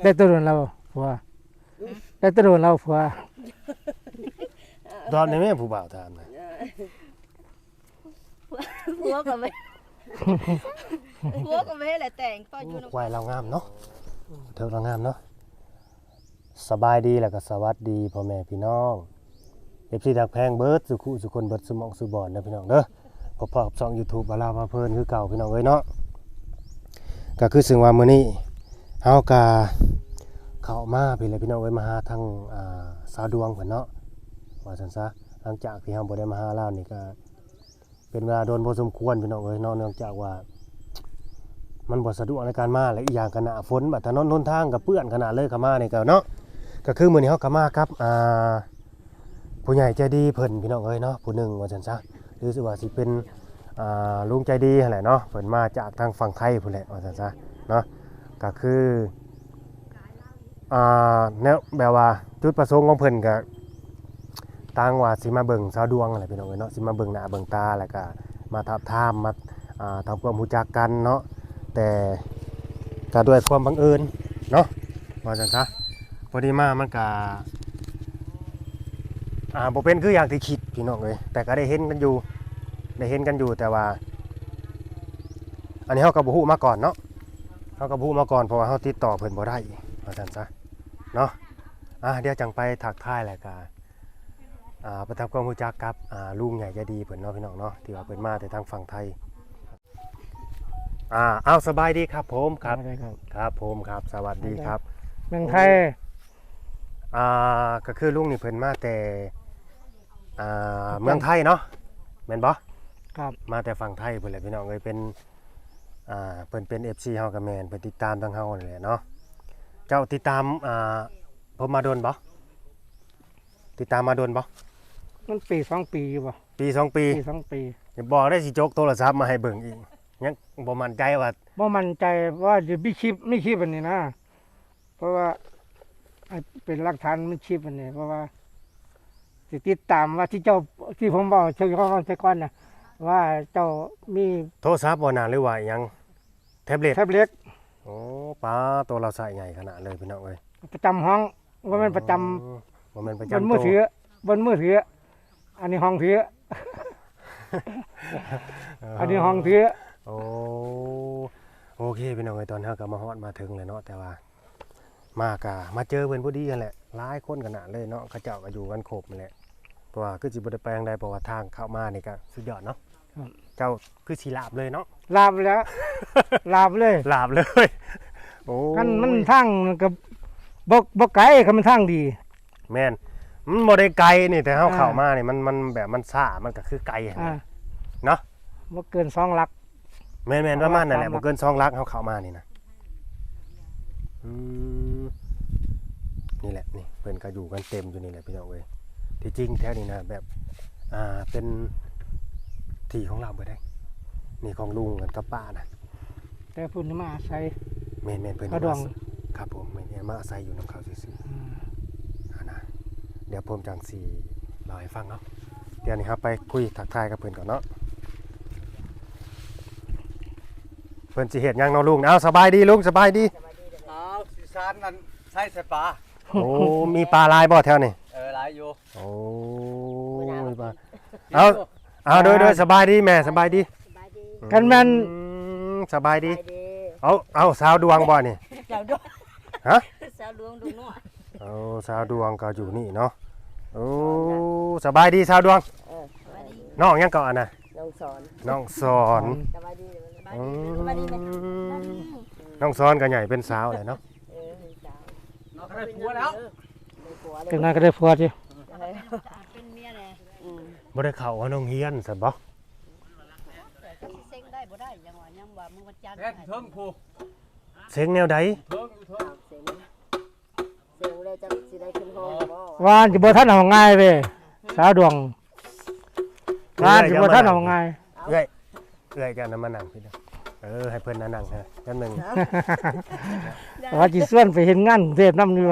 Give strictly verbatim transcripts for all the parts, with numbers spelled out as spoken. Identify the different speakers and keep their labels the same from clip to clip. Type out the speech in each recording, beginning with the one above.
Speaker 1: ได้ตัวโดนเราผัวได้ตัวโดนเราผัว
Speaker 2: ตอนนี้แม่ผู้บ่าวถามนะ
Speaker 3: ผัวก็ไม่ผัวก็ไม่ให้แหละแต่งก็อยู่
Speaker 2: ควายเรางามเนาะเธอเรางามเนาะสบายดีแล้วก็สวัสดีพ่อแม่พี่น้องเอฟซีดักแพงเบิร์ดสุขุสุคนเบิร์ดสมองสุบอนนะพี่น้องเด้อพบกับช่อง YouTube บาลาพาเพลินคือเก่าพี่น้องเอ้ยเนาะก็คือซึ่งว่ามื้อนี้เฮากะเข้ามาพี่เลยพี่น้องเอ้ยมาหาทางอ่าสาวดวงเพิ่นเนาะว่าซั่นซะหลังจากที่เฮาบ่ได้มาหาแล้วนี่ก็เป็นเวลาโดนพอสมควรพี่น้องเอ้ยเนาะเนื่องจากว่ามันบ่สะดวกในการมาและอีกอย่างก็หน้าฝนบัดถนนหนทางก็เปื้อนขนาดเลยเข้ามานี่ก็เนาะก็คือมื้อนี้เฮาก็มาครับอ่าผู้ใหญ่ใจดีเพิ่นพี่น้องเอ้ยเนาะผู้หนึงว่าซั่นซะหรือสิว่าสิเป็นอ่าลุงใจดีนั่นแหละเนาะเพิ่นมาจากทางฝั่งไทยพุ่นแหละว่าซั่นซะเนาะก็คืออ่าแนวแบบว่าจุดประสงค์ของเพิ่นก็ต่างว่าสิมาเบิ่งสาวดวงอะไรพี่น้องเอ้ยเนาะสิมาเบิ่งหน้าเบิ่งตาแล้วก็มาทับทามมาอ่าทำความรู้จักกันเนาะแต่ก็ด้วยความบังเอิญเนาะว่าซั่นซะพอดีมามันก็อ่าบ่เป็นคืออย่างที่คิดพี่น้องเอ้ยแต่ก็ได้เห็นกันอยู่ได้เห็นกันอยู่แต่ว่าอันนี้เฮาก็บ่ฮู้มาก่อนเนาะเฮาก็บ่ฮู้มาก่อนเพราะว่าเฮาติดต่อเพิ่นบ่ได้ว่าซั่นซะเนาะอ่ะเดี๋ยวจังไปทักทายแล้วก็อ่าไปทำความรู้จักกับอ่าลุงใหญ่ใจดีเพิ่นเนาะพี่น้องเนาะที่ว่าเพิ่นมาแต่ทางฝั่งไทยอ่าเอาสบายดีครับผมครับครับผมครับสวัสดีครับ
Speaker 1: เมืองไทย
Speaker 2: อ่าก็คือลุงนี่เพิ่นมาแต่อ่าเมืองไทยเนาะแม่นบ่
Speaker 1: ครับ
Speaker 2: มาแต่ฝั่งไทยเพิ่นแหละพี่น้องเอ้ยเป็นอ่าเพิ่นเป็น เอฟ ซี เฮาก็แม่นเพิ่นติดตามทางเฮานั่นแหละเนาะเจ้าติดตามอ่าผมมาโดนบ่ติดตามมาโดนบ่
Speaker 1: มันปีสองปีอยู่บ่
Speaker 2: ปีสองปี
Speaker 1: ปีสองปี
Speaker 2: อย่าบอกได้สิจกโทรศัพท์มาให้เบิ่งอีกยังบ่มั่นใจว่า
Speaker 1: บ่มั่นใจว่าจะมีคลิปมีคลิปอันนี้นะเพราะว่าให้เป็นหลักฐานมีคลิปอันนี้เพราะว่าสิติดตามว่าที่เจ้าที่ผมบอกเชิงข้อความแต่ก่อนน่ะว่าเจ้ามี
Speaker 2: โทรศัพท์บ่น่าหรือว่าหยังแท็บเล็ต
Speaker 1: แท็บเล็ต
Speaker 2: โอ้ป้าตัวเราใส่ใหญ่ขนาดเลยพี่น้องเอ้ย
Speaker 1: ประจำห้องว่ามันประจำ
Speaker 2: อ๋อบ่แม่นประ
Speaker 1: บ
Speaker 2: จำ
Speaker 1: นมือถือบนมือถืออันนี้ห้องถือ อันนี้ห้องถือ
Speaker 2: โอ้โอเคพี่น้องไอ้ตอนเฮาก็มาฮอดมาถึงเลยเนาะแต่ว่ามากะมาเจอเพิ่นพอดีกันแหละหลายคนขนาดเลยเนาะเขาเจ้าก็อยู่กันครบนั่นแหละเพราะว่าคือสิบ่ได้ไปทางใดเพราะว่าทางเข้ามานี่ก็สุดยอดเนาะเจ้าคือสิลาบเลยเนาะ
Speaker 1: ลาบแล้ว ลาบเลย
Speaker 2: ลาบเลยโอ้
Speaker 1: กันมันทางกับบกบกไก่คันมันทางดี
Speaker 2: แม่นมันบ่ได้ไกลนี่แต่เฮา
Speaker 1: อ่า
Speaker 2: เข้ามานี่มันมันแบบมันซ่ามันก็คือไกลหั่น
Speaker 1: อ่า
Speaker 2: น่ะเนาะ
Speaker 1: บ่เกินสองหลัก
Speaker 2: แม่นๆประมาณนั่นแหละ
Speaker 1: สามหลั
Speaker 2: บ่
Speaker 1: ก
Speaker 2: เกินสองลักเฮาเข้ามานี่นะอืมนี่แหละนี่เพิ่นก็อยู่กันเต็มอยู่นี่แหละพี่น้องเอ้ยที่จริงแท้นี่นะแบบอ่าเป็นที่ของเราเบิดได้นี่ของลุงกันกับป้านะ
Speaker 1: แต่พุ่นนี่มาอาศัย
Speaker 2: แม่นๆเพิ่น
Speaker 1: กระดอง
Speaker 2: มาครับผมแม่นๆมาอาศัยอยู่นำเขาซื่อ
Speaker 1: อืม
Speaker 2: ๆอ่านะเดี๋ยวผมจังสิเล่าให้ฟังเนาะเดี๋ยวนี้ครับไปคุยทักทายกับเพิ่นก่อนเนาะเพิ่นสิเฮ็ดหยังเนาะลุงเอาสบายดีลุงสบายดี
Speaker 4: เอาสิซานนั่นใช่ใส่ปลา
Speaker 2: โอ้ มีปลาลายบ่แถวนี่
Speaker 4: เออหลายอยู่
Speaker 2: โอ้มีปลาเอา เอาโดยโดยสบายดีแม่สบายดี
Speaker 3: สบายดี
Speaker 1: กันแม่น
Speaker 2: อืมสบายดี
Speaker 3: สบายดี
Speaker 2: เอาเอาสาวดวงบ่นี่
Speaker 3: สาวดวง
Speaker 2: ฮะ
Speaker 3: สาวดวงดูหน่อย
Speaker 2: เอาสาวดวงก็อยู่นี่เนาะ โอ้สบายดีสาวดวง
Speaker 3: เออสบายดี
Speaker 2: น้องยังก่อนน่ะ
Speaker 3: น้องสอน
Speaker 2: น้องสอน
Speaker 3: สบายดีสบาย
Speaker 2: อื
Speaker 3: ดีสบายดีไหม
Speaker 2: มน้องสอนก็ใหญ่เป็นสาวเลยเนาะ
Speaker 3: เออสาว
Speaker 4: เราก็ได้ผัวแล้ว
Speaker 3: ในผัวเลย
Speaker 1: จังไดก็ได้ผัวสิ
Speaker 3: เป็นเมียเลยอืม
Speaker 2: บ่ได้เข้าว่าน้องเฮียนซั่นบ่
Speaker 3: เซ็งได้บ่ได้ยังว่ายังว่ามึงวันจันทร์
Speaker 4: แค่เทิงผูก
Speaker 2: เสียงแนวใด
Speaker 4: เทิงอยู่เทิง
Speaker 3: เซ็งเซ็งเลยจะสิได้ขึ้นห้องบ่
Speaker 1: วานสิบ่ทันเอาง่ายเว้ยสาวดวงวานสิบ่ทันเอาง่าย
Speaker 2: เอ้ยเอ้ยจะนำมานั่งพี่เด้อเออให้เพิ่นนั่งนั่งฮะจังหนึง
Speaker 1: ว่าสิส่วนไปเห็นงานกรุงเทพนำอยู่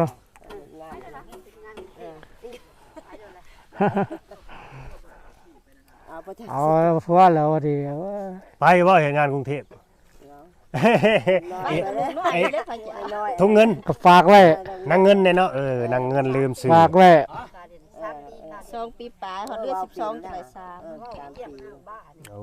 Speaker 3: เอาไป
Speaker 1: เอาผัวแล้วว่าดิ
Speaker 2: ไปบ่เฮ็ดงานกรุงเทพ
Speaker 3: ไปเลยน้อยเลยไปจะน้อย
Speaker 2: ถุงเงิน
Speaker 1: ก็ฝากไว้
Speaker 2: นางเงินเนี่ยเนาะเออนางเงินลืมซื้อ
Speaker 1: ฝากไว้
Speaker 3: สองปีปลายเขาเดือนสิบสองจังได๋สาม
Speaker 2: โอ้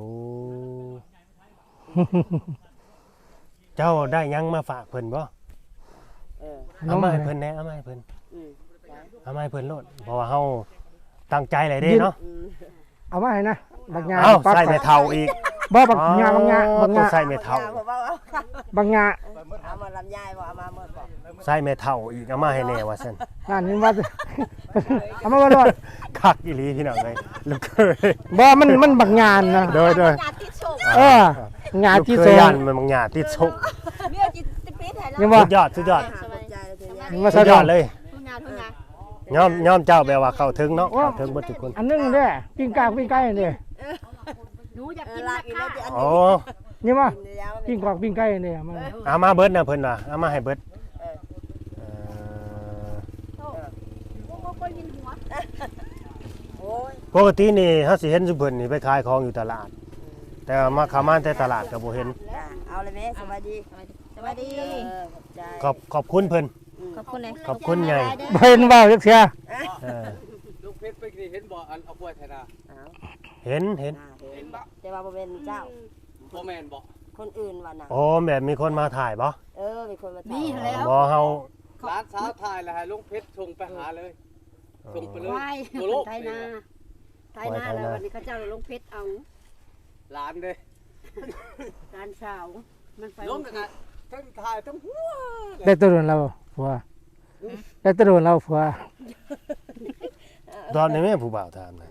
Speaker 2: เจ้าได้ยังมาฝากเพิ่นบ่
Speaker 5: เออ
Speaker 2: เอามาให้เพิ่นแหน่เอามาให้เพิ่น
Speaker 5: อืม
Speaker 2: เอามาให้เพิ่นโลดเพราะว่าเฮาตั้งใจหลายเด้เนาะ
Speaker 5: อืม
Speaker 1: เอามาให้นะบางงา
Speaker 2: เอ้า
Speaker 1: ปัก
Speaker 2: ใส่แม่เฒ่าอีก
Speaker 1: บ่บางงาบางงาบาง
Speaker 2: ต้อง
Speaker 1: งา
Speaker 2: ใส่แม่เฒ่า
Speaker 5: ผมว่าเอา
Speaker 1: บางงา
Speaker 5: เอามาลำไยบ่เอามาเมื่อบ่
Speaker 2: ใส่แม่เฒ่าอีกเอามาให้แน่ว่าซั่น
Speaker 1: นั่นนี่ว่า เอามาบ่รอด
Speaker 2: คักอีหลีพี่น้องเอ้ยลูกเคย
Speaker 1: บ่มันมันบางงานนะ
Speaker 2: โดยโดย
Speaker 3: ญาติโชค
Speaker 1: เอองานที่
Speaker 2: ลูก
Speaker 1: โซ
Speaker 2: เคย
Speaker 1: น
Speaker 2: ยันมันบางหยาติดชก
Speaker 3: เมียจิตปีไทยแล้ว
Speaker 1: ยังว่า
Speaker 2: สุดยอดสุดยอด
Speaker 5: สบายใจแล้วเธอเนี่ย
Speaker 1: ยังว่า
Speaker 2: สุ
Speaker 1: สะ
Speaker 2: ด
Speaker 1: ด
Speaker 2: ย
Speaker 1: อ
Speaker 2: อ
Speaker 1: ด
Speaker 2: ดเลย
Speaker 3: ทุกงานทุกงาน
Speaker 2: ยอมยอมเจ้าแปลว่าเข้าถึงเนาะเข้าถึงเบ่ทุกคน
Speaker 1: อันนึงเด้อปิ้งกากปิ้งไก่นี่
Speaker 3: หนูอยาก
Speaker 5: เอ
Speaker 3: กิ
Speaker 5: อน ลา
Speaker 3: นะ
Speaker 5: กอีกแล้ว
Speaker 3: คะ
Speaker 5: จะอัน
Speaker 2: อ๋อ
Speaker 1: นี่ว่า
Speaker 5: นี้แล้ว
Speaker 1: ปิ้งกอกปิ้งไก่นี่มัน
Speaker 2: เอามาเบิดนะเพิ่นว่าเอามาให้เบิดเอ่อ
Speaker 3: โอ้โหคนยินหัว
Speaker 5: โอ้ย
Speaker 2: ปกตินี่เฮาสิเห็นซุเพิ่นนี่ไปขายของอยู่ตลาด แต่ว่ามาเข้ามาแต่ตลาดก็บ่เห็น
Speaker 5: จ้ะเอาเลยแม่สบายดี
Speaker 3: สวัสดี
Speaker 5: เออขอบใจ
Speaker 2: ขอบขอบคุณเพิ่น
Speaker 3: ขอบคุณเลย
Speaker 2: ขอบคุณใหญ่
Speaker 1: บ่เห็นเว้าจักเสีย
Speaker 2: เออ
Speaker 4: ลูกเพชรไปนี่เห็นบ่อันเอากล้วยไทยนา
Speaker 5: เอา
Speaker 2: เห็นเห็น
Speaker 5: หน้าเห็นแต่ว่าบ่เป็นเจ้า
Speaker 4: บ่แม่นบ่
Speaker 5: คนอื่นว่าน่ะ
Speaker 2: โอ้แบบมีคนมาถ่ายบ่
Speaker 5: เออมีคนมา
Speaker 3: มี
Speaker 5: ถาม
Speaker 3: แล้ว
Speaker 2: บ่เฮา
Speaker 4: ร้านสาวถ่ายแล้วให้ลุงเพชรส่งไปหาเลยส่งไปเลย
Speaker 6: ไหว้
Speaker 4: ตัวโลก
Speaker 6: ไทยนาไทยนาแล้ววันนี้เขาเจ้าลงเพชรเอา
Speaker 4: ร้านเด้
Speaker 6: ร้านสาวมันไป
Speaker 4: ลงกันนะทั้งถ่ายทั้งหัว
Speaker 1: ได้ตัวโดนเราผัวได้ตัวโดนเราผัว
Speaker 2: ตอนนี้แม่ผู้บ่าวถามนะ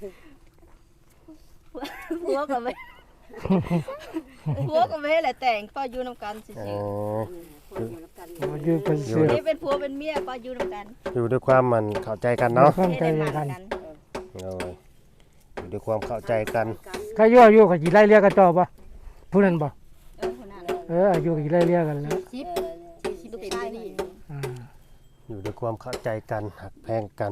Speaker 3: หัวกับเวหัวกับเวแหละแต่งก็อยู่นำกันสิ
Speaker 2: เอ
Speaker 3: สิ
Speaker 2: อ
Speaker 6: คนอยู่กับกัน
Speaker 1: อยู่เป็นเสือ
Speaker 3: นี่เป็นผัวเป็นเมียก็อยู่นำกัน
Speaker 2: อยู่ด้วยความมันเข้าใจกันเนาะ
Speaker 1: ความ
Speaker 3: ให้
Speaker 1: ใจ
Speaker 3: ได้มา
Speaker 1: กัน
Speaker 3: กัน
Speaker 2: โอ้ยอยู่ด้วยความเข้าใจกัน
Speaker 1: ใครอยู่อยู่ก็สิไล่เรียกกันต่อบ่ผู้นั้นบ่
Speaker 3: เออคนนั้น
Speaker 1: เอออยู่ก็สิไล่เรียกกันแล้ว
Speaker 6: ชิปชิป
Speaker 3: ลูก
Speaker 6: เต็ม
Speaker 3: ชาย
Speaker 6: ที่
Speaker 3: นี่
Speaker 1: อ่า
Speaker 2: อยู่ด้วยความเข้าใจกันหักแพงกัน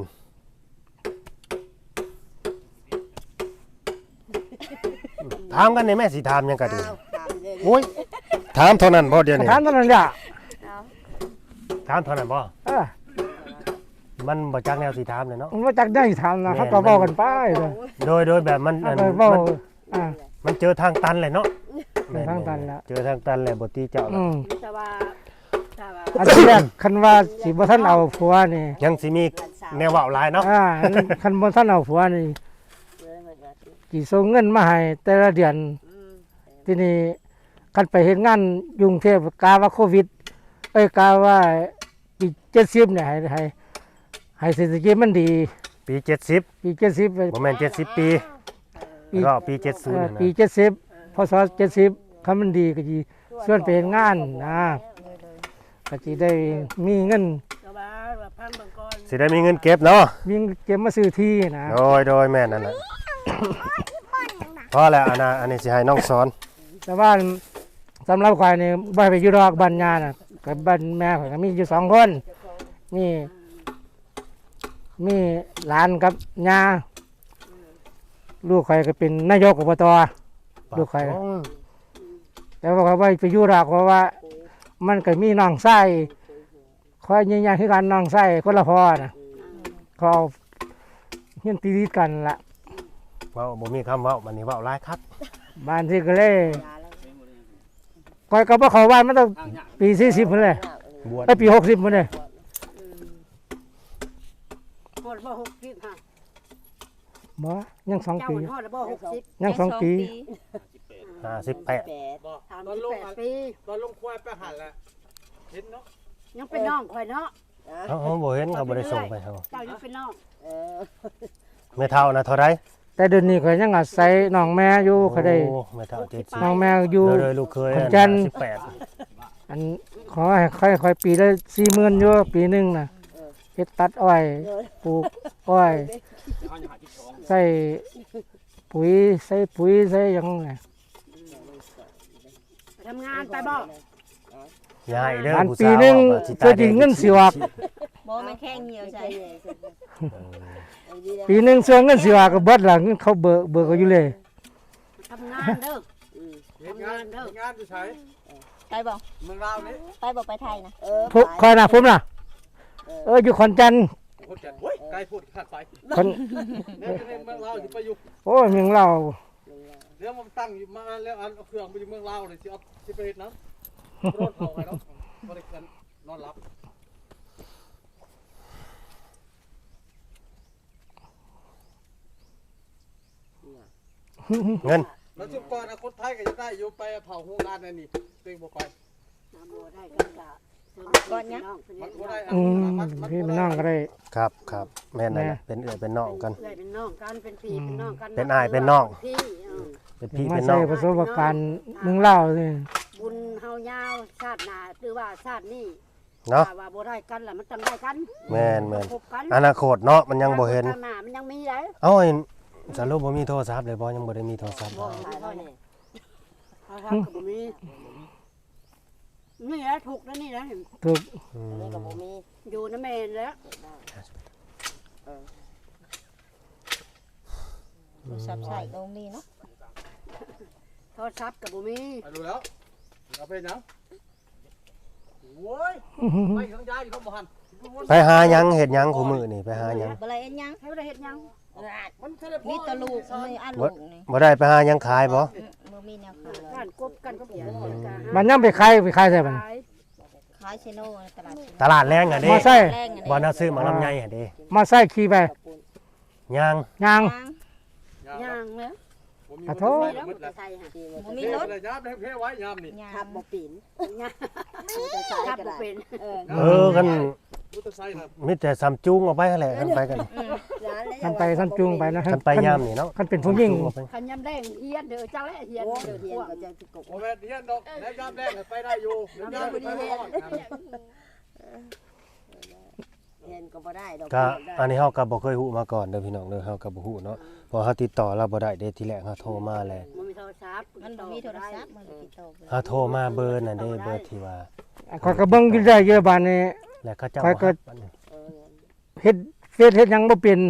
Speaker 2: ถามกันในแม่สิถามหยังก็ดี
Speaker 5: เอาถามเลย
Speaker 2: โอ้ยถามเท่านั้นบ่เดี๋ยวนี้
Speaker 1: ถามเท่านั้นล่ะ
Speaker 2: ถามเท่านั้นบ่
Speaker 1: เออ
Speaker 2: มันบ่จักแนวสิถามเลยเนาะ
Speaker 1: มันว่าจักได้ถามนะเขาก็เว้ากันไปเลย
Speaker 2: โดยโดยแบบมัน
Speaker 1: เขา
Speaker 2: อัน
Speaker 1: ก็เว้า
Speaker 2: มัน
Speaker 1: อ่า
Speaker 2: มันเจอทางตันเลยเนาะ
Speaker 1: เจอทางตันแล้ว
Speaker 2: เจอทางตันเลยบ่ตีเจ้า
Speaker 1: อืม
Speaker 6: แต่ว่าแต่ว่า
Speaker 1: อันที่แรกคันว่าสิบ่ทันเอาผัวนี่
Speaker 2: ยังสิมีแนวเว้าหลายเนาะ
Speaker 1: อ่าคันบ่ทันเอาผัวนี่
Speaker 5: เออเหมือนกัน
Speaker 1: สิส่งเงินมาให้แต่ละเดือน
Speaker 5: อืม
Speaker 1: ทีนี้คันไปเฮ็ดงานกรุงเทพกาว่าโควิด เอ้ยกาว่าปีเจ็ดสิบเนี่ยให้ให้ให้เศรษฐกิจมันดี
Speaker 2: ปีเจ็ดสิบ
Speaker 1: ปีเจ็ดสิบไป
Speaker 2: บ่แม่นเจ็ดสิบปี
Speaker 1: ปี
Speaker 2: แล้วก็ปีเจ็ดสิบ
Speaker 1: เอ่อ
Speaker 2: นะ
Speaker 1: ปีเจ็ดสิบพศเจ็ดสิบคันมันดีก็สิส่วนไปเฮ็ดงานนะก็สิได้มีเงิน
Speaker 6: แต่ว่าแบบพันบางกร
Speaker 2: สิได้มีเงินเก็บเนาะ
Speaker 1: มีเงินเก็บมาซื้อที่นะ
Speaker 2: โดยโดยแม่นนั่นแหละพอแล้วอันน่ะอันนี้สิให้น้องสอน
Speaker 1: แต่ว่าสำหรับข่อยนี่บ่ให้ไปอยู่ดอกบ้านญาน่ะกับบ้านแม่ข่อยก็มีอยู่สองคนมีมีหลานกับย่าลูกข่อยก็เป็นนายกอบต ลูกใคร
Speaker 2: โอ้ย
Speaker 1: แต่ว่าเขาไปไปอยู่ดอกเพราะว่า มันก็มีน้องไส้คอยยืนยันคือกันน้องไส้คนละพ่อนะเขาเอาเฮียนตีดกันละ
Speaker 2: เว้าบ่มีคำเว้ามันนี่เว้าหลายครับ
Speaker 1: บ้านที่ก็เลย
Speaker 5: ยาแล้ว
Speaker 1: คอยก็บ่เข้าบ้านมันต้องปีสี่สิบพุ่นเลย
Speaker 2: บวช
Speaker 1: ไปปีหกสิบพุ่นเลย
Speaker 6: หอดบ่หกสิบค่ะ
Speaker 1: บ่ยังสอง
Speaker 6: เจ้า
Speaker 1: ปี
Speaker 6: หอดบ่หกสิบ
Speaker 1: ยังสองปี
Speaker 2: ห้าสิบแปด
Speaker 5: แปด
Speaker 4: บ่
Speaker 6: สาม
Speaker 4: ตอ
Speaker 6: สิ
Speaker 4: น
Speaker 6: บ
Speaker 4: ลง
Speaker 6: แปด
Speaker 4: อัน
Speaker 6: ปี
Speaker 4: ตอนลงควายไปหันแล้วเห็นเนาะ
Speaker 6: ยังเป็นน้องข่อยเนาะ
Speaker 2: เอ้าเฮาบ่เห็นเขาบ่ได้ส่งไปเฮา
Speaker 6: เจ้ายังเป็นน้อง
Speaker 5: เออ
Speaker 2: แม่เฒ่านะเท่าใด
Speaker 1: แต่เดี๋ยวนี้ก็ยังอาศัยน้องแม่อยู่เขาได้
Speaker 2: โอ้แม่เฒ่าเจ็ดสิบ
Speaker 1: น้องแม่อยู่
Speaker 2: เด้อๆลูกเคย
Speaker 1: ขอนแก่น
Speaker 2: สิบแปด
Speaker 1: อันขอให้ค่อยค่อยปีได้สี่หมื่นอยู่ปีหนึงน่ะเฮ็ดตัดอ้อยปลูกอ้อยใส่ปุ๋ยใส่ปุ๋ยใส่หยังไง
Speaker 6: ไปทำงานไปบ่
Speaker 2: ยายเด้อ
Speaker 1: อัน
Speaker 2: ผู้
Speaker 1: ปี
Speaker 2: สาว
Speaker 1: หนึง
Speaker 2: ว่าสิ
Speaker 1: เพื่อจริงเงินสิออก
Speaker 3: บ่มันแข้งเหี่ยวใจ
Speaker 1: ปีหนึงส่วนเงินสิออกก็เบิดละเงินเขาเบิกเบิกก็อยู่เลย
Speaker 6: ทำงานเด้อ
Speaker 4: เห็นงานเห็นงานอยู่ไส
Speaker 3: ไปบ่
Speaker 4: เมืองลาวนี่
Speaker 3: ไปบ่ไปไทยนะ
Speaker 5: เออ
Speaker 1: พุคอยนะผมน่ะเอออยู่ขอนแก่น
Speaker 4: พูดกันเฮ้ยไกลพูดขาดไป
Speaker 1: คน
Speaker 4: แม่ในเมืองลาวสิไปอยู่
Speaker 1: โอ้ยเมืองเรา
Speaker 4: เดี๋ยวมันตั้งอยู่มาแล้วอันเอาเครื่องไปอยู่เมืองลาวเลยสิเอาสิไปเฮ็ดน้ำรถเผาให้เนาะบ่ได้กันนอนหลับ
Speaker 2: เงิน
Speaker 4: แล้วชุบก่อนนะคนไทยก็จะได้อยู่ไปเผาโรงงานนั่นนี่ตัวเองบ่ไป
Speaker 6: น้ำบัวได้กันกะ
Speaker 3: ก่อนยัง
Speaker 4: มันบ่ได้อัน
Speaker 1: อืม
Speaker 4: มันมัน
Speaker 1: พี่
Speaker 4: บ่
Speaker 1: มัน
Speaker 4: ได้
Speaker 1: นั่งก็ได้
Speaker 2: ครับครับแม่นนั่นแหละเป็นเอื้อยเป็นน้องกัน
Speaker 6: เอ้ยเป็นน้องกันเป็นพี่เป็นน้องกัน
Speaker 2: เป็นอ้ายเป็นน้อง
Speaker 6: พี่เออ
Speaker 2: เป็นพี่
Speaker 1: มา
Speaker 2: เป็นน้
Speaker 1: ใส่
Speaker 2: อง
Speaker 1: ประสบการณ์เมืองเล่าวนี่
Speaker 6: บุญเฮายาวชาติหน้าหรือว่าชาตินี้
Speaker 2: เนาะ
Speaker 6: ถ้ว่าบ่ได้กันล่ะมันต้องได้กัน
Speaker 2: แม่นแม่น
Speaker 6: พบกัน
Speaker 2: อนาคตเนาะมันยังบ่เห็น
Speaker 6: ข้างหน้ามันยังมีได้
Speaker 2: เอ้าไอ้สรุปบ่มีโทรศัพท์เลยบ่ยังบ่ได้มีโทรศัพท์
Speaker 6: บ่
Speaker 2: บ่
Speaker 5: ตายแล้วนี่
Speaker 6: ถ้าทำก็บ่มีนี่แหละถูกแล้วนี่นะ
Speaker 1: ถูก
Speaker 2: อื
Speaker 5: อัน
Speaker 2: ม
Speaker 5: นี้ก็บ่มี
Speaker 6: อยู่น้ำแม่นแล้ว
Speaker 3: โทรศัพท์ใช้ตรงนี้เนาะ
Speaker 6: โทรศัพท์ก็บ่มี
Speaker 4: ไปดูแล้วเอาไปยังโว้ยไม่ทั้งยายอยู่ข้างบ่หัน
Speaker 2: ไปหาหยังเฮ็ดหยังคู่มื้อนี่ไปหาหยัง
Speaker 3: บ่ไรเอ็นยัง
Speaker 6: ให้บ่ได้เฮ็ดหยัง
Speaker 4: มันเทเลพอ
Speaker 3: มีแตะลูกมีอันลูกนี่
Speaker 2: บ่ได้ไปหาหยังขายบ่
Speaker 3: อืมบ่มีแนวขาย
Speaker 6: การกบกันก็เปลี่ยนกันกะ
Speaker 1: มันยังไปขายไปขายใส่มัน
Speaker 6: ขาย
Speaker 3: ขายเชโน่ในตลาดเชโน่
Speaker 2: ตลาดแรงอ่ะเด้
Speaker 1: มาใส่
Speaker 3: แรงอัน
Speaker 2: บ่
Speaker 3: นี้
Speaker 2: น่าซื้อหมาลำไยอ่ะเด้
Speaker 1: มาใส่ขี่ไป
Speaker 2: ย่าง
Speaker 1: ยาง
Speaker 6: ย่างเนอะ
Speaker 4: ผมมี
Speaker 1: ขอโทษ
Speaker 6: มีแล้วมันจะใส่ฮะ
Speaker 3: บ่
Speaker 4: มี
Speaker 3: มี
Speaker 4: ร
Speaker 3: ร
Speaker 4: ถ
Speaker 3: ถ
Speaker 4: เลยยามเพไว้ยามนี่
Speaker 3: ยา
Speaker 5: ขับ
Speaker 3: ม
Speaker 5: บ่ปีน
Speaker 6: ย่าง
Speaker 5: จะใช้
Speaker 6: ขับ
Speaker 5: ก็
Speaker 6: บ่
Speaker 5: ได้
Speaker 6: เป็น
Speaker 5: เออ
Speaker 2: เออกัน
Speaker 4: มุตไซค์นะ
Speaker 2: มีแต่ซัมจุงออกไปหั่นแหละกันไปกัน
Speaker 1: กันไปซ้ำจุงไปนะ
Speaker 2: กันไปยามนี่เนาะ
Speaker 1: กันเป็นผู้หญิง
Speaker 2: ออกไป
Speaker 6: คันยำแดงเฮียนเด้อจังแลเฮียน
Speaker 5: โอ้
Speaker 6: เด้อ
Speaker 5: เฮี
Speaker 6: เฮี
Speaker 5: ย
Speaker 6: ย
Speaker 5: น
Speaker 6: น
Speaker 5: ก็จะสิกบ
Speaker 4: โอ้แม่เฮียนดอกแล้วยามแรกไปได้อยู่ยามไปได้รอด
Speaker 5: เฮียนก็บ่ได้ดอก
Speaker 2: ก็อันนี้เฮาก็บ่เคยฮู้มาก่อนเด้อพี่น้องเด้อเฮาก็บ่ฮู้เนาะพอเฮาติดต่อเราบ่ได้เด้ทีแรกเฮาโทรมาแหละ
Speaker 6: มันมีโทรศัพท์
Speaker 3: มันบ่มีโทรศัพท์มันติดต่อบ่ได้
Speaker 2: เฮาโทรมาเบอร์นั่นเด้เบอร์ที่ว่า
Speaker 1: ขอยก็เบิ่งอยู่ได้เยอะบานนี้
Speaker 2: แล้วเขาเจ้า
Speaker 1: ข้อยก็
Speaker 2: ว่าอันนี้
Speaker 5: เออ
Speaker 1: เฮ็ดเฟซเฮ็ดหยังบ่เป็น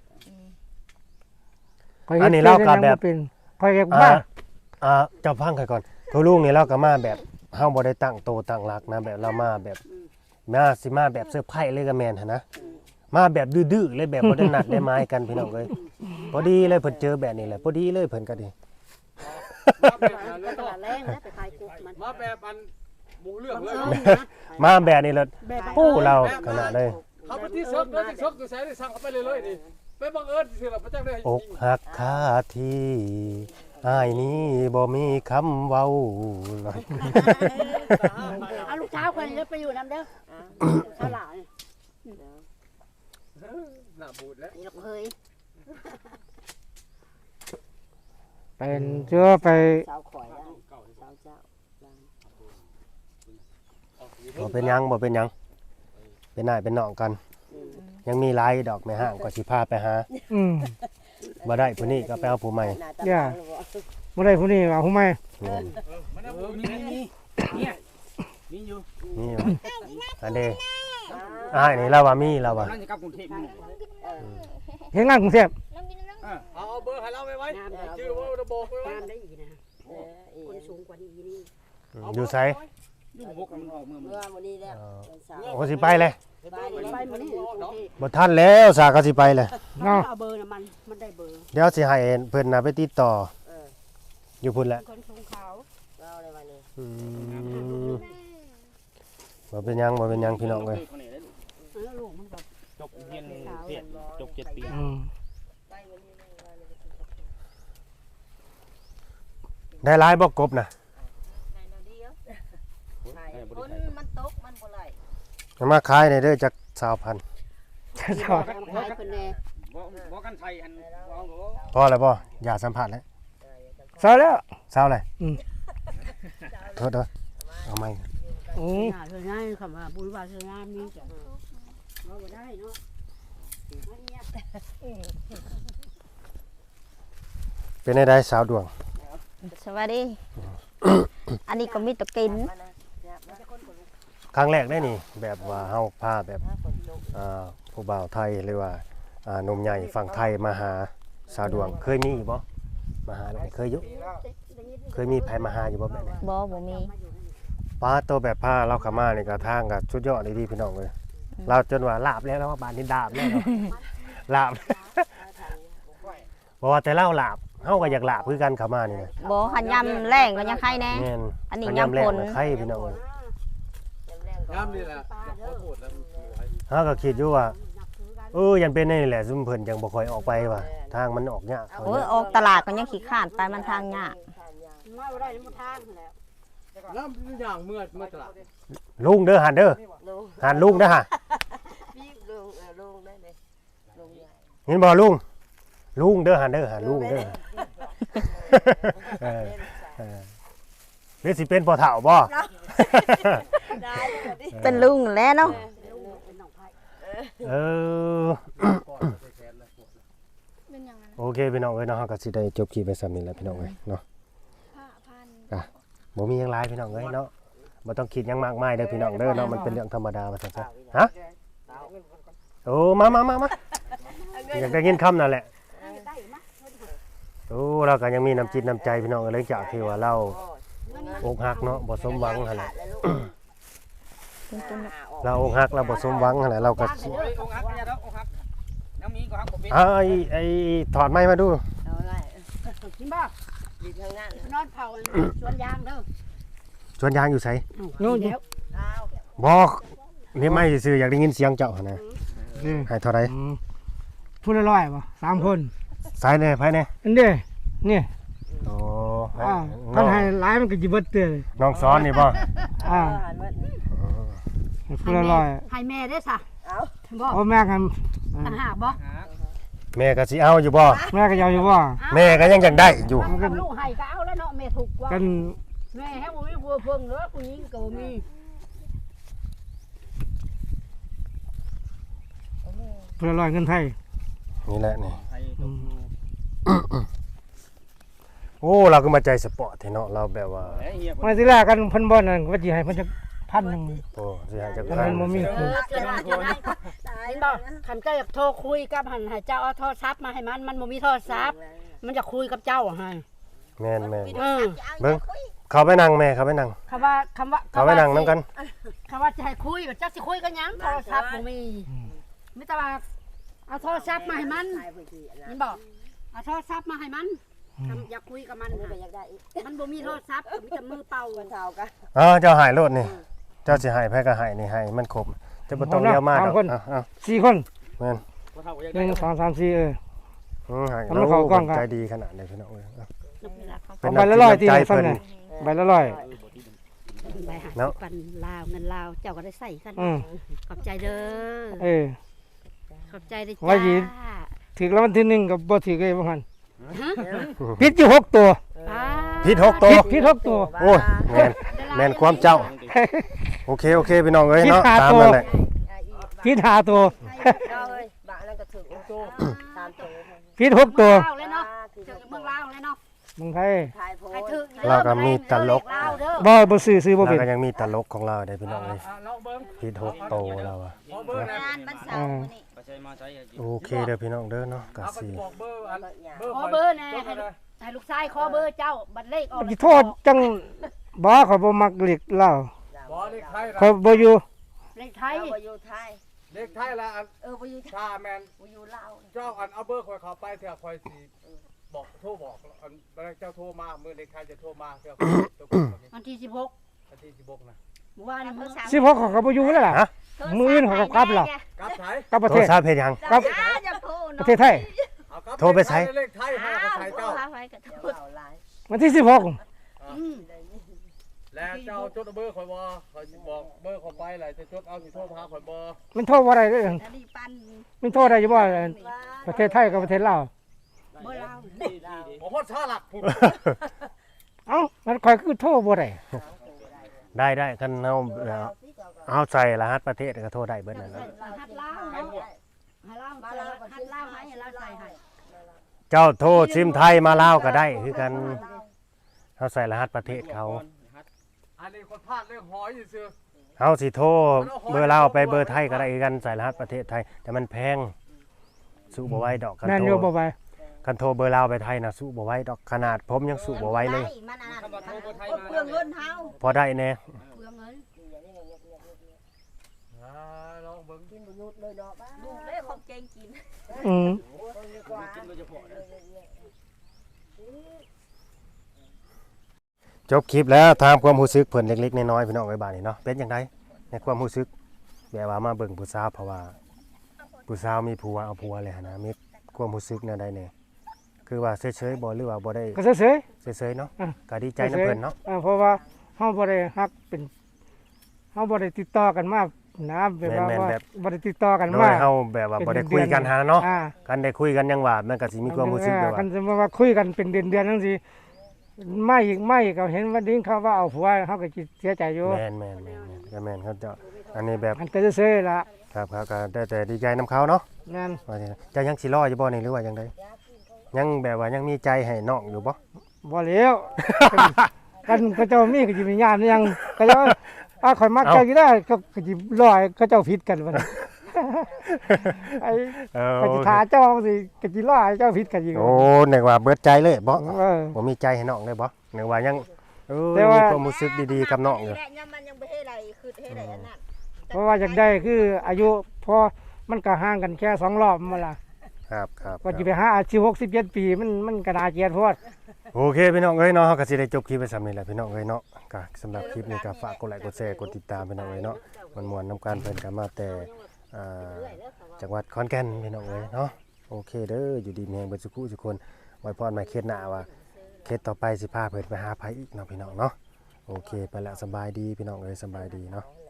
Speaker 1: ข้อยฮ็ดฟซฮ็ดหยังเป็นข้อยอยาก
Speaker 2: อ่า
Speaker 1: บ้า
Speaker 2: อ่าเจ้าฟังค่อยก่อนคือลุงนี่เราก็มาแบบเฮาบ่ได้ตั้งโตตั้งหลักนะแบบเรามาแบบมาสิมาแบบเซอร์ไพรส์เลยก็แม่นหั่นนะมาแบบดื้อๆเลยแบบบ่ได้นัดได้หมายกันพี่น้องเอ้ยพอดีเลยเพิ่นเจอแบบนี้แหละพอดีเลยเพิ่นก็ดี
Speaker 6: ไปตลาดแรงนะไปขายกบมัน
Speaker 4: มาแบบอันหมูเรื่องเลย
Speaker 2: มาแบบนี้แล้ว
Speaker 6: แบบ
Speaker 2: ปู้เราขนาดเลย
Speaker 4: เขาไปที่เซิร์ฟเลยที่เซิร์ฟตัวแสนที่สั่งเขาไปเลยเลยนี่ไปบังเอิญสิเราพระเจ้าได้
Speaker 2: อกหักคาที่อ้ายนี้บ่มีคำเว้าเลย
Speaker 6: เอาลูกเช้าคนนี้ไปอยู่น้ำเด้อตลาด
Speaker 4: หน้าบูดแล้ว
Speaker 6: นี่เราเคย
Speaker 1: เป็นเชื่อไป
Speaker 5: สาวข่อยได้สาวเจ้า
Speaker 2: บ่เป็นหยังบ่เป็นหยังเป็นนายเป็นน้องกัน ยังมีหลายดอกแม่ห้างก็สิพาไปหา
Speaker 1: อืม
Speaker 2: บ่ได้ผู้นี้ก็ไปเอาผู้ใหม่
Speaker 5: หน้าตา
Speaker 1: ย่า บ่ได้ผู้นี้ว่าผู้ใหม่
Speaker 2: แม่น
Speaker 4: มันเอามีมีเนี่ยมีอยู่
Speaker 2: นี่ว่ะอันเด้อ้ายนี่เราว่ามีเราว่า
Speaker 4: นั่นจะกลับกรุงเทพนี่
Speaker 1: เฮ็ดงานกรุงเทพ
Speaker 4: เอาเบอร์ให้เราไว้ไว้ชื่อว่าระบบไว้ไว้
Speaker 6: งามได้อีกนะ
Speaker 5: เอออี
Speaker 6: คนสูงกว่านี้นี่
Speaker 2: อยู่ไส
Speaker 4: อยู่หกมันออกเมือง
Speaker 5: เมื่อมื้อนี้แล้วเป็นสาว
Speaker 2: โอ้สิไปเลย
Speaker 5: ไปนี่
Speaker 6: ไปมานี่กรุงเทพ
Speaker 2: บ่ทันแล้วสาก็สิไปเลย
Speaker 1: เนาะ
Speaker 6: เอาเบอร์น่ะมันมันได้เบอร์
Speaker 2: เดี๋ยวสิให้เพิ่นน่ะไปติดต่อ
Speaker 5: เออ
Speaker 2: อยู่พุ่นแหละ
Speaker 6: คนสูงขาว
Speaker 5: เราในวันนี้
Speaker 2: อืมบ่เป็นหยังบ่เป็นหยังพี่น้องเอ้ย
Speaker 6: เออลูกมันแบบ
Speaker 4: จบเรียนเรียนจบเจ็ดปี
Speaker 1: อืม
Speaker 5: ไปวันนี้เราเลย
Speaker 2: ได้หลายบ่กบน่ะ
Speaker 3: ในนาเดียว
Speaker 5: ใช่
Speaker 3: คนมันตกมันบ่ไหล
Speaker 2: เอามาขายในเด้อจักสาวพัน
Speaker 1: จะชอบ
Speaker 6: ขายคนแน่
Speaker 4: บ่กันไทยอันเอาหรอ
Speaker 2: พอแล้วบ่อย่าสัมผัสแล้ว
Speaker 1: เศร้าแล้ว
Speaker 2: เศร้าเลย
Speaker 1: อืม
Speaker 2: โทษเด้อเอาใหม่
Speaker 1: อืม
Speaker 6: น่าเธอง่ายคำว่าบุญวาสนามีจ้ะเราบ่ได้เนาะ
Speaker 2: เป็นได้สาวดวง
Speaker 3: สวัสดี อันนี้ก็มีแตะกิน
Speaker 2: ครั้งแรกได้นี่ แบบว่าเฮาพาแบบอ่าผู้บ่าวไทยหรือว่าอ่าหนุ่มใหญ่ฝั่งไทยมาหาสาวดวงเคยมีอยู่บ่มาหาแบบนี้เคยอยู่เคยมีไผมาหาอยู่บ่แบบนี้
Speaker 3: บ่บ่มี
Speaker 2: อป้าตัวแบบผ้าเราขามานี่ก็ทางก็สุดยอดเลยดีพี่น้องเลยเราจนว่าลาบแล้วแล้วว่าบานนี้ดาบแล้วเนาะ ลาบ บอกว่าแต่เล่าลาบเฮาก็อยากลาบคือกันขามานี่นะ
Speaker 3: บ่หันยำแรงก็ยังไข่แน่
Speaker 2: แม่น
Speaker 3: อันนี้
Speaker 2: มั
Speaker 3: ยำ
Speaker 2: แรง
Speaker 3: ผล
Speaker 2: น่ะไข่พี่น้องเอ้ย
Speaker 4: งามนี่แหละขอโทษแล้วมันสวย
Speaker 2: เฮาก็คิดอยู่ว่าเออยันเป็นนี่แหละซุมเพิ่นจังบ่ค่อยออกไปว่ะทางมันออกยากเขา
Speaker 3: โอ้ย
Speaker 2: เนี่ย
Speaker 3: ออกตลาดก็ยังขี้ข้านไปมันทางยาก
Speaker 6: มาบ่ได้มันทางแล้ว
Speaker 4: งามอย่างเมื่อเมื่อตลาด
Speaker 2: ลุงเด้อหันเด้อ
Speaker 5: ลุง
Speaker 2: หันลุงเด้อฮะ
Speaker 5: พี่ลุงเออลุงได้เลยลุงใหญ่
Speaker 2: เห็นบ่ลุงลุงเด้อหันเด้อหันลุงเด้อเออเออหรือสิเป็นพ่อเฒ่าบ่
Speaker 5: ได้เลยดิ
Speaker 3: เป็นลุงแล้วเนาะ
Speaker 6: เป็นน้องไผ่
Speaker 2: เออ
Speaker 4: ก่อนจะแขนแล้วปวด
Speaker 7: เป็นอย่างนั้น
Speaker 2: โอเคพี่น้องเอ้ยเนาะเฮาก็สิได้จบคลิปไปซ้ำนี้แหละพี่น้องเอ้ยเนาะ
Speaker 7: ผ้าพัน
Speaker 2: บ่มีหยังหลายพี่น้องเอ้ยเนาะบ่ต้องคิดหยังมากมายเด้อพี่น้องเด้อเนาะมันเป็นเรื่องธรรมดาว่าซั่นซะฮะโอ้มามามามาอยากได้ยินคำนั่นแหละโอ้เราก็ยังมีน้ำจิตน้ำใจพี่น้องเอ้ยหลังจากที่ว่าเราอกหักเนาะบ่สมหวังหั่นแหละเราอกหักเราบ่สมหวังหั่นแหละเราก็สิ
Speaker 4: โอ้ยองค์ฮักเนี่ยเด้อองค์ฮักน้ำมีก็ฮักบ่เป็น
Speaker 2: อ้าวไอ้ไอ้ถอดไม้มาดู
Speaker 5: เอาไร
Speaker 6: กินบ่
Speaker 5: ดีทางนั้น
Speaker 6: นอนเผาสวนยางเด้อ
Speaker 2: สวนยางอยู่ไส
Speaker 1: นู่น
Speaker 6: เดี๋ยว
Speaker 2: บ่นี่ไม่ซื่อๆอยากได้ยินเสียงเจ้าหั่นนะ
Speaker 1: นี่
Speaker 2: ให้เท่าใด
Speaker 1: อืมพูดละร้อยบ่สามคน
Speaker 2: สายแน่ไผแน่
Speaker 1: อันเด้นี่
Speaker 2: โอ้
Speaker 1: อ่า
Speaker 2: น้
Speaker 1: คั
Speaker 2: อน ง
Speaker 1: ให้หลายมันก็สิเบิดเด้อ
Speaker 2: น้องซ้อนนี่บ่
Speaker 1: อ่า
Speaker 5: หันมา
Speaker 1: พูดละร้อย
Speaker 6: ให้แม่ได้ซะ
Speaker 5: เอา
Speaker 6: บ่
Speaker 1: เอาแม่กัน
Speaker 6: ต่างหากบ่
Speaker 2: แม่ก็สิเอาอยู่บ่
Speaker 1: แม่ก็ยาวอยู่บ่
Speaker 2: แม่ก็ยังอยากได้อยู่
Speaker 6: กับลูกให้ก็เอาแล้วเนาะแม่ถูกกว่า
Speaker 1: กัน
Speaker 6: แม่ให้บ่มีผัวเพิ่งเด้อผู้หญิงก็บ่มี
Speaker 1: พูดละร้อยเงินไทย
Speaker 2: นี่แหละนี่
Speaker 4: ไทยต้องดู
Speaker 2: โอ้เราก็มาใจสปอร์ตเนาะเราแบบว่า
Speaker 4: เฮ้ยเฮีย
Speaker 1: มาสิแรกกันเพิ่นบ่นั่นว่าสิให้เพิ่นจักพันหนึง
Speaker 2: โอ้สิให้จัก
Speaker 1: แต่
Speaker 2: พัน
Speaker 1: มันบ่มี
Speaker 6: เอ
Speaker 1: คือ
Speaker 6: อเกิดมาจะได้เห็นบ่คันเจ้าอยากโทรคุยกับหันให้เจ้าเอาโทรศัพท์มาให้มันมันบ่มีโทรศัพท์มันจะคุยกับเจ้าให้
Speaker 2: แม่นแม่น
Speaker 6: เออ
Speaker 2: เบิ่งเข้าไปนั่งแม่เข้าไปนั่ง
Speaker 6: คำว่าคำว่า
Speaker 2: เข้าไปนั่งนํกัน
Speaker 6: คำว่าจะให้คุยแบบเจ้าสิคุยกันหยังโทรศัพท์บ่มีมีแต่ว่าเอาโทรศัพท์มาให้มัน
Speaker 5: ใช่พื้นที่นะ
Speaker 6: เห็นบ่เอาโทรศัพท์มาให้มันคำอยากคุยกับมัน
Speaker 5: มันก็
Speaker 6: น่ะ
Speaker 5: อยากได้อีก
Speaker 6: มันบ่มีโทรศัพท์มีแต่มือเป่า
Speaker 5: คนเท่ากัน
Speaker 2: อ๋อเจ้าหายโลดนี่ เจ้าสิให้ไผก็ให้นี่ให้มันครบจะบ่ต้องเลี้ยวมาดอกเอาเอา
Speaker 1: สี่คน
Speaker 2: แม่น
Speaker 4: คนเฒ่าก็อยาก
Speaker 1: ห
Speaker 4: ได้
Speaker 1: นึ่งสองสามสี่เออ
Speaker 2: อือให้
Speaker 1: เอามาเข้ากล้องกัน
Speaker 2: ใจดีขนาดนี้พี่น้องเอ้ยเอา
Speaker 1: เอาไปละร้อยตี
Speaker 2: ใจ
Speaker 1: ซ้ำ
Speaker 2: เพิ่น
Speaker 1: น่ะใบละร้อย
Speaker 6: ไปหา
Speaker 2: เนาะ
Speaker 6: ปันลาวเงินลาวเจ้าก็ได้ใส่กัน
Speaker 1: อืม
Speaker 6: ขอบใจเด้อ
Speaker 1: เออ
Speaker 6: ขอบใจเด้อ
Speaker 1: ว่า
Speaker 6: จ้า
Speaker 1: หยิบ ถึกแล้ววันที่หนึ่งกับบ่ถึกเลยบ่หันพิษอยู่หกตัว
Speaker 6: ป้า
Speaker 2: ผิดหกตัว
Speaker 1: พิษพิษหกตัว
Speaker 2: โอ้ยแม่นแม่นความเจ้า โอเคโอเคพี่น้องเอ้ยเนาะ
Speaker 1: ผิดหา
Speaker 2: ตาม
Speaker 1: ตัว
Speaker 2: นั่นแหละ
Speaker 1: พิษหาตัว
Speaker 5: เอาเลยบางนั้นก็ถึงโตตามตัว
Speaker 1: พิษหกตัว
Speaker 6: เมืองลาวเลยเนาะ
Speaker 5: คือ
Speaker 6: ถึงเมืองลาวเลยเนาะ
Speaker 1: มึงไทย
Speaker 5: ถ่ายโพ
Speaker 6: ให้
Speaker 5: ส
Speaker 6: ถึง
Speaker 2: เราก็มีตลก
Speaker 6: ลาวเด้อ
Speaker 1: บ่บ่ซื้อซื้อบ่
Speaker 2: เรา
Speaker 1: เป็น
Speaker 2: ก็ยังมีตลกของเราได้พี่น้องเอ้ย
Speaker 4: อ่ะเราเบิ่ง
Speaker 2: ผิดหกโตเราอะ
Speaker 4: ขอเบอร์นะ
Speaker 3: งานวันเสาร์มื้อนี้
Speaker 4: ไปใช้มาใช้
Speaker 2: โอเคเด้อพี่น้องเด้อเนาะก็
Speaker 4: เอาก็
Speaker 2: สิ
Speaker 4: สิบอกเบอร์อันเบอร์
Speaker 6: ขอเบอร์แน่ให้ลูกให้ลูกชายขอเบอร์เจ้าบัตรเลขออก
Speaker 1: สิโทษจังบ่ขอยบ่มักเล็กเหล้า
Speaker 4: บ่เลขไทย
Speaker 1: ขอยบ่อยู่
Speaker 6: เลขไทย
Speaker 5: เอาไปอยู่ไทย
Speaker 4: เลขไทยละอัน
Speaker 5: เออไปอยู่ไทย
Speaker 4: ชาแมน
Speaker 5: ไปอยู่ลาว
Speaker 4: เจ้าอันเอาเบอร์คอยเข้าไปเถอะคอยสิบอกโทรบอกอันเวลาเจ้าโทรมาเมื่อเลขไทยจะโทรมาเถอะตัวคนนี้
Speaker 6: วันที่สิบหก
Speaker 4: วันที่สิบหกนะ
Speaker 6: เมื่อวานนี้มื้อ
Speaker 1: สิบหกเขาก็บ่อยู่แล้วล่ะ
Speaker 2: ฮะ
Speaker 1: มื้ออื่นเขาก็กลับแล้ว
Speaker 4: กลับไทย
Speaker 1: กลับประ
Speaker 2: โท
Speaker 1: เท
Speaker 2: ร
Speaker 1: ศ
Speaker 2: ศัพท์เฮ็ดหยัง
Speaker 1: กลับ
Speaker 3: จะโทร
Speaker 1: ประเทศไทย
Speaker 4: เอากลับ
Speaker 2: โทรไปใช้
Speaker 4: เลขไทยให้เอาไปใช้เจ้า
Speaker 3: ไปกับโทร
Speaker 5: ลาวหลาย
Speaker 1: วันที่สิบหก
Speaker 6: อืม
Speaker 4: แล้วเจ้าจดเอาเบอร์คอยบ่คอยบอกเบอร์เข้าไปแหละจะจดเอาสิโทรมาหาคอยบ่
Speaker 1: มันโทรบ่ได้เด้อ
Speaker 3: แล้วนี่ปัน
Speaker 1: มันโทรได้อยู่บ่ประเทศไทยกับประเทศลาว
Speaker 6: เบอร์ลาว
Speaker 4: ผมพอดชาหลักผม
Speaker 1: เอ้ามันข่อยคือโทรบ่ได้
Speaker 2: ได้ได้คันเฮาเอาใส่รหัสประเทศก็โทรได้เบิดนั่น
Speaker 6: ใส่
Speaker 2: น่ะ
Speaker 6: รหัสลาวเนาะให้ลาวใส่รหัสลาวให้ลาวใส่ให้
Speaker 2: เจ้าโทรซิมไทยมาลาวก็ได้คือกันเฮาใส่รหัสประเทศเขา
Speaker 4: อันนี้คนพลาดเรื่องหอยอยู่ซื่อ
Speaker 2: เฮาสิโทรเบอร์ลาวไปเบอร์ไทยก็ได้คือกันใส่รหัสประเทศไทย แต่มันแพงสู้บ่ไหวดอกคัน
Speaker 1: แม่น
Speaker 2: โท
Speaker 1: อยู่
Speaker 2: ร
Speaker 1: บ่ไป
Speaker 2: คันโทรเบอร์ลาวไปไทยน่ะสู้บ่ไหวดอกขนาดผมยังสู้บ่ไหวเลย
Speaker 3: มันอันนั้นเปลืองเงินเฮา
Speaker 2: พอได้แน่
Speaker 3: เปลืองเงิ
Speaker 5: กินบ่หยุดเลยดอกบ้า
Speaker 3: ลูกได้ของเก่งกิน
Speaker 1: อืม
Speaker 5: กว่า
Speaker 2: จบคลิปแล้วถามความรู้สึกเพิ่นเล็กๆน้อยๆพี่น้องไว้บาดนี้เนาะเป็นจังไดในความรู้สึกแบบว่ามาเบิ่งผู้สาวเพราะว่าผู้สาวมีผัวเอาผัวแล้วนะมีความรู้สึกแนวใดแน่คือว่าเฉยๆบ่หรือว่าบ่ได้
Speaker 1: ก็เฉย
Speaker 2: เฉยๆเนาะ
Speaker 1: อ่ะ
Speaker 2: ก็ดีใจนํเพิ่นเนาะ
Speaker 1: ๆอ่าเพราะว่าเฮาบ่ได้ฮักเป็นเฮาบ่ได้ติดต่อกันมานะแบบว่าว่าบ่ได้ติดต่อกัน
Speaker 2: โด
Speaker 1: มาย
Speaker 2: เฮาแบบว่าบ่ได้คุยกันหาเนาะ
Speaker 1: อ่า
Speaker 2: กันได้คุยกันยังว่ามันก็สิมีความรู้สึกแบบ
Speaker 1: กั
Speaker 2: ว่า
Speaker 1: นสมมุติว่าคุยกันเป็นเดือนๆจังซี่ไม่อีกไม่อีกก็เห็นว่าดิ้งเขาว่าเอาผัวเฮาก็สิเสียใจอยู่
Speaker 2: แม่นแม่นแม่นแม่นก็แม่นเขาเจะอันนี้แบบ
Speaker 1: มันก็เฉยๆล่ะ
Speaker 2: ครับครับก็ได้แต่ดีใจนํเขาเนาะ
Speaker 1: นั่น
Speaker 2: ว่าจังไดเจะยังสิรออยู่บ่นี่หรือว่าจังไดยังแบบว่ายังมีใจให้น้องอยู่บ่
Speaker 1: บ่แล้ว กันก็เจ้ามีก็สิมีญาติยังก็เจ้าอ่าข่อยมักเจ้าอยู่ได้ก็ก็สิรอให้เขาเจ้าผิดกันบัดนี้ ไอ้
Speaker 2: เออ
Speaker 1: ก็สิทาเจ้าสิก็สิรอให้เจ้าผิดกันอยู่
Speaker 2: โอ้นึกว่าเบิดใจเลยบ่
Speaker 1: เออ
Speaker 2: บ่มีใจให้น้องเลยบ่นึกว่ายังเออ
Speaker 1: แต่ว่า
Speaker 2: มีความรู้สึกดีๆกับน้องอยู่
Speaker 3: แหละยามมันยังบ่เฮ็ดอะไรคือเฮ็ดอะไรอันนั้น
Speaker 1: เพราะว่าอยากได้คืออายุพอมันก็ห่างกันแค่สองรอบมาล่ะ
Speaker 2: ครับครับ
Speaker 1: ว่าจะไปหาอาชีพหกสิบเจ็ดปีมันมันก็น่าเกลียดโพด
Speaker 2: โอเคพี่น้องเอ้ยเนาะเฮาก็สิได้จบคลิปไปซ้ำนี่แหละพี่น้องเอ้ยเนาะก็สำหรับคลิปนี้ก็ฝากกดไลค์กดแชร์กดติดตามพี่น้องเอ้ยเนาะมันม่วนนํกันเพิ่นก็มาแต่อ่าจังหวัดขอนแก่นพี่น้องเอ้ยเนาะโอเคเด้ออยู่ดีมีแรงเบิดสุขทุกคนไว้พรใหม่เคสหน้าว่าเคสต่อไปสิพาเพิ่นไปหาไผอีกเนาะพี่น้องเนาะโอเคไปแล้วสบายดีพี่น้องเอ้ยสบายดีเนาะ